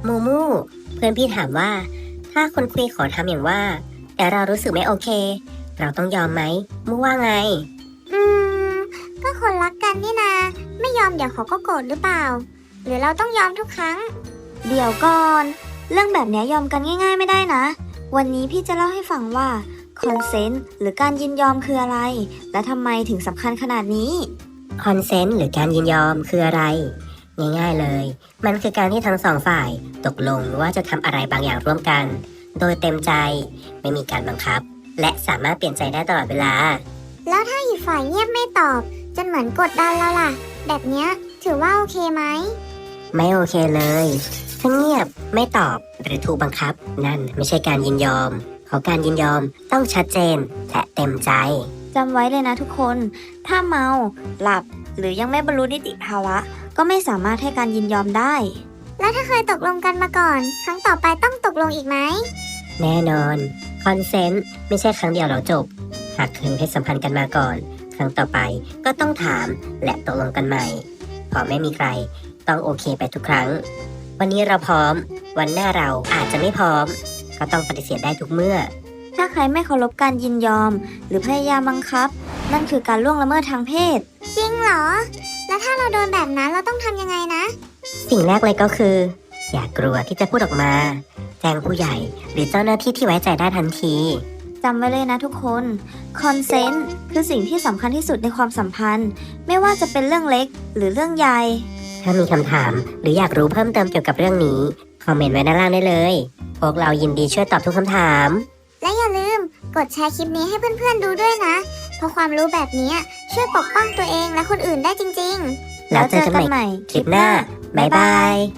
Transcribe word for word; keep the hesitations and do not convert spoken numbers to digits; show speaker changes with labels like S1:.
S1: มูมูเพื่อนพี่ถามว่าถ้าคนคุยขอทำอย่างว่าแต่เรารู้สึกไม่โอเคเราต้องยอมไหมมูว่าไง
S2: อืมก็คนรักกันนี่นาไม่ยอมเดี๋ยวเขาก็โกรธหรือเปล่าหรือเราต้องยอมทุกครั้ง
S3: เดี๋ยวก่อนเรื่องแบบนี้ยอมกันง่ายๆไม่ได้นะวันนี้พี่จะเล่าให้ฟังว่าคอนเซนต์หรือการยินยอมคืออะไรและทำไมถึงสำคัญขนาดนี้
S1: คอนเซนต์หรือการยินยอมคืออะไรง่ายๆเลยมันคือการที่ทั้งสองฝ่ายตกลงว่าจะทำอะไรบางอย่างร่วมกันโดยเต็มใจไม่มีการบังคับและสามารถเปลี่ยนใจได้ตลอดเวลา
S2: แล้วถ้าอีกฝ่ายเงียบไม่ตอบจนเหมือนกดดันเราล่ะแบบเนี้ยถือว่าโอเคไหม
S1: ไม่โอเคเลยถ้าเงียบไม่ตอบหรือถูกบังคับนั่นไม่ใช่การยินยอมเพราะการยินยอมต้องชัดเจนและเต็มใจ
S3: จำไว้เลยนะทุกคนถ้าเมาหลับหรือยังไม่บรรลุนิติภาวะก็ไม่สามารถให้การยินยอมได้
S2: แล้วถ้าเคยตกลงกันมาก่อนครั้งต่อไปต้องตกลงอีกไหม
S1: แน่นอนคอนเซนต์ไม่ใช่ครั้งเดียวเราจบหากเคยมีเพศสัมพันธ์กันมาก่อนครั้งต่อไปก็ต้องถามและตกลงกันใหม่เพราะไม่มีใครต้องโอเคไปทุกครั้งวันนี้เราพร้อมวันหน้าเราอาจจะไม่พร้อมก็ต้องปฏิเสธได้ทุกเมื่อ
S3: ถ้าใครไม่เคารพการยินยอมหรือพยายามบังคับนั่นคือการล่วงละเมิดทางเพศ
S2: จริงเหรอแล้วถ้าเราโดนแบบนั้นเราต้องทำยังไงนะ
S1: สิ่งแรกเลยก็คืออย่ากลัวที่จะพูดออกมาแจ้งผู้ใหญ่หรือเจ้าหน้าที่ที่ไว้ใจได้ทันที
S3: จำไว้เลยนะทุกคนคอนเซนต์คือสิ่งที่สำคัญที่สุดในความสัมพันธ์ไม่ว่าจะเป็นเรื่องเล็กหรือเรื่องใหญ่
S1: ถ้ามีคำถามหรืออยากรู้เพิ่มเติมเกี่ยวกับเรื่องนี้คอมเมนต์ไว้ด้านล่างได้เลยพวกเรายินดีช่วยตอบทุกคำถาม
S2: และอย่าลืมกดแชร์คลิปนี้ให้เพื่อนๆดูด้วยนะเพราะความรู้แบบนี้ช่วยปกป้องตัวเองและคนอื่นได้จริง
S1: ๆแล้วเจอกันใหม่คลิปหน้าบ๊ายบาย